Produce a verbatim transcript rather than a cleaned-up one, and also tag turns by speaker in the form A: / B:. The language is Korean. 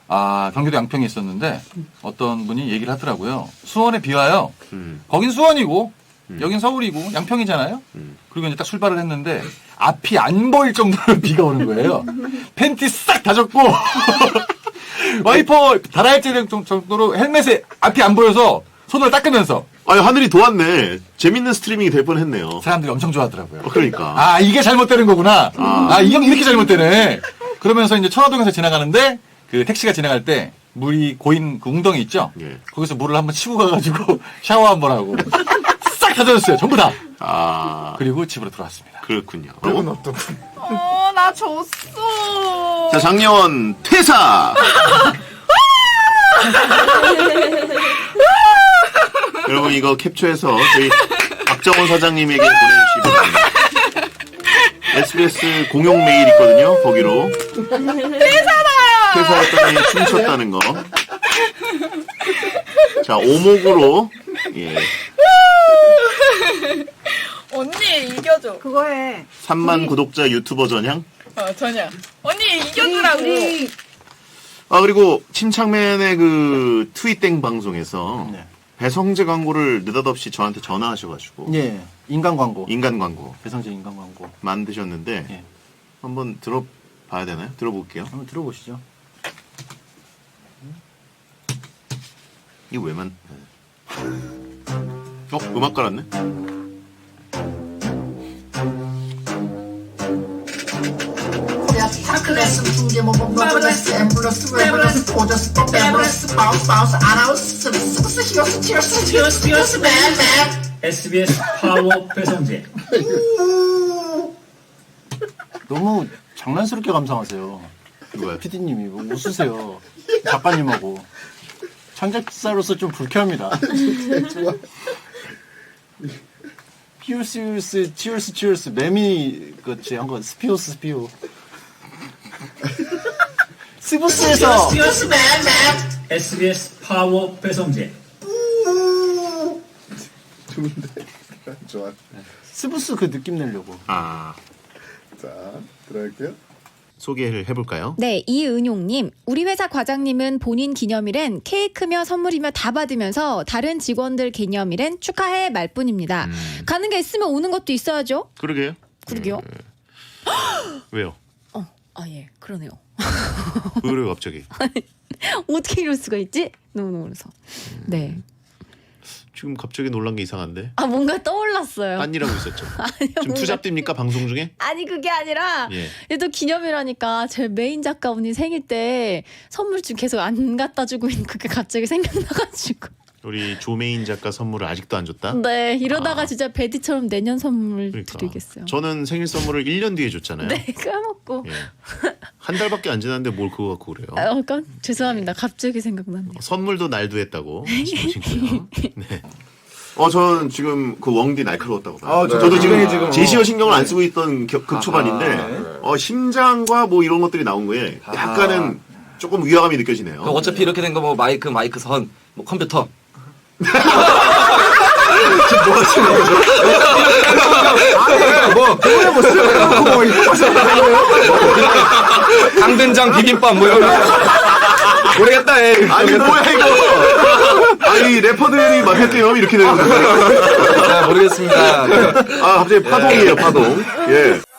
A: 아, 경기도 양평에 있었는데 어떤 분이 얘기를 하더라고요. 수원에 비 와요.
B: 음.
A: 거긴 수원이고
B: 음.
A: 여긴 서울이고 양평이잖아요.
B: 음.
A: 그리고 이제 딱 출발을 했는데 앞이 안 보일 정도로 비가 오는 거예요. 팬티 싹 다 젖고 와이퍼 달아야 될 정도로 헬멧에 앞이 안 보여서 손을 닦으면서
B: 아니, 하늘이 도왔네. 재밌는 스트리밍이 될 뻔했네요.
A: 사람들이 엄청 좋아하더라고요.
B: 어, 그러니까.
A: 아, 이게 잘못되는 거구나.
B: 아.
A: 아, 이 형 이렇게 잘못되네. 그러면서 이제 천화동에서 지나가는데 그 택시가 지나갈 때 물이 고인 그 웅덩이 있죠?
B: 예.
A: 거기서 물을 한번 치고 가가지고 샤워 한번 하고 싹 다 젖었어요. 전부 다.
B: 아,
A: 그리고 집으로 돌아왔습니다.
B: 그렇군요.
C: 그건 어떻군.
D: 어, 나 졌어.
B: 자, 장려원 퇴사! 여러분, 이거 캡처해서 저희 박정원 사장님에게 보내주시기 바랍니다. 에스비에스 공용 메일 있거든요, 거기로.
D: 퇴사다!
B: 퇴사했더니 춤췄다는 거. 자, 오목으로, 예,
D: 언니 이겨줘.
C: 그거 해.
B: 삼만 구독자 유튜버 전향.
D: 어, 전혀. 언니 이겨주라고.
C: 우리
B: 아, 그리고 침착맨의 그 트윗땡 방송에서
A: 네.
B: 배성재 광고를 느닷없이 저한테 전화하셔가지고
A: 예. 인간 광고.
B: 인간 광고
A: 배성재 인간 광고.
B: 만드셨는데
A: 예.
B: 한번 들어봐야 되나요? 들어볼게요.
A: 한번 들어보시죠.
B: 이거 왜 만? 어, 음악 깔았네.
E: 타클레스 중계모범 노블레스 앰뷸런스 웨블레스 포저스 뽀베블레스 바우스 바우스 아나운스 스브스 히어스 티어스 티어스 티어스 맨맨
F: 에스비에스 파워 배성재.
A: 너무 장난스럽게 감상하세요.
B: 이거야.
A: 피디님이 뭐 웃으세요. 작가님하고. 창작자로서 좀 불쾌합니다. 피우스, 피우스, 치얼스, 치얼스, 매미, 그치, 한 건, 스피오스, 스피오. 스부스에서,
E: 티어스 맨맨
F: 에스비에스 파워 배성재.
C: 좋은데. 좋아.
A: 스부스 그 느낌 내려고.
B: 아,
C: 자, 들어갈게요.
B: 소개를 해볼까요?
G: 네, 이은용님. 우리 회사 과장님은 본인 기념일엔 케이크며 선물이며 다 받으면서 다른 직원들 기념일엔 축하해 말뿐입니다.
B: 음.
G: 가는 게 있으면 오는 것도 있어야죠.
B: 그러게요.
G: 그러게요.
B: 왜요?
G: 어, 아 예, 그러네요.
B: 왜 그래요, 갑자기?
G: 어떻게 이럴 수가 있지? 너무 놀라서. 네.
B: 지금 갑자기 놀란 게 이상한데?
G: 아 뭔가 떠올랐어요.
B: 딴 일하고 있었죠.
G: 아니요,
B: 지금
G: 뭔가-
B: 투잡됩니까 방송 중에?
G: 아니 그게 아니라
B: 예.
G: 얘도 기념이라니까 제 메인 작가 언니 생일 때 선물 좀 계속 안 갖다 주고 있는 그게 갑자기 생각나가지고.
B: 우리 조메인 작가 선물을 아직도 안 줬다?
G: 네, 이러다가
B: 아.
G: 진짜 베디처럼 내년 선물
B: 그러니까.
G: 드리겠어요.
B: 저는 생일 선물을 일 년 뒤에 줬잖아요.
G: 네, 까먹고.
B: 예. 한 달밖에 안 지났는데 뭘 그거 갖고 그래요?
G: 아, 깜, 죄송합니다. 갑자기 생각났네요.
B: 선물도 날도 했다고 싶으시고요. 네. 어, 저는 지금 그 웡디 날카로웠다고 봐요.
C: 아, 저-
B: 저도 지금
C: 굉장히 지금
B: 제시어
C: 어.
B: 신경을 안 쓰고 있던 겨- 극초반인데
C: 아하.
B: 어, 심장과 뭐 이런 것들이 나온 거에 약간은 조금 위화감이 느껴지네요.
H: 그럼 어차피 이렇게 된 거 뭐 마이크, 마이크 선, 뭐 컴퓨터.
C: 뭐, 그거야 뭐 쓰고 뭐 이거
H: 강된장 비빔밥 뭐 이런 거. 모르겠다, 에이.
B: 아니 뭐야 이거? 아니 래퍼들이 맡았대요 이렇게 되는 거예요.
H: 잘 모르겠습니다.
B: 아 갑자기 파동이에요 파동. 예.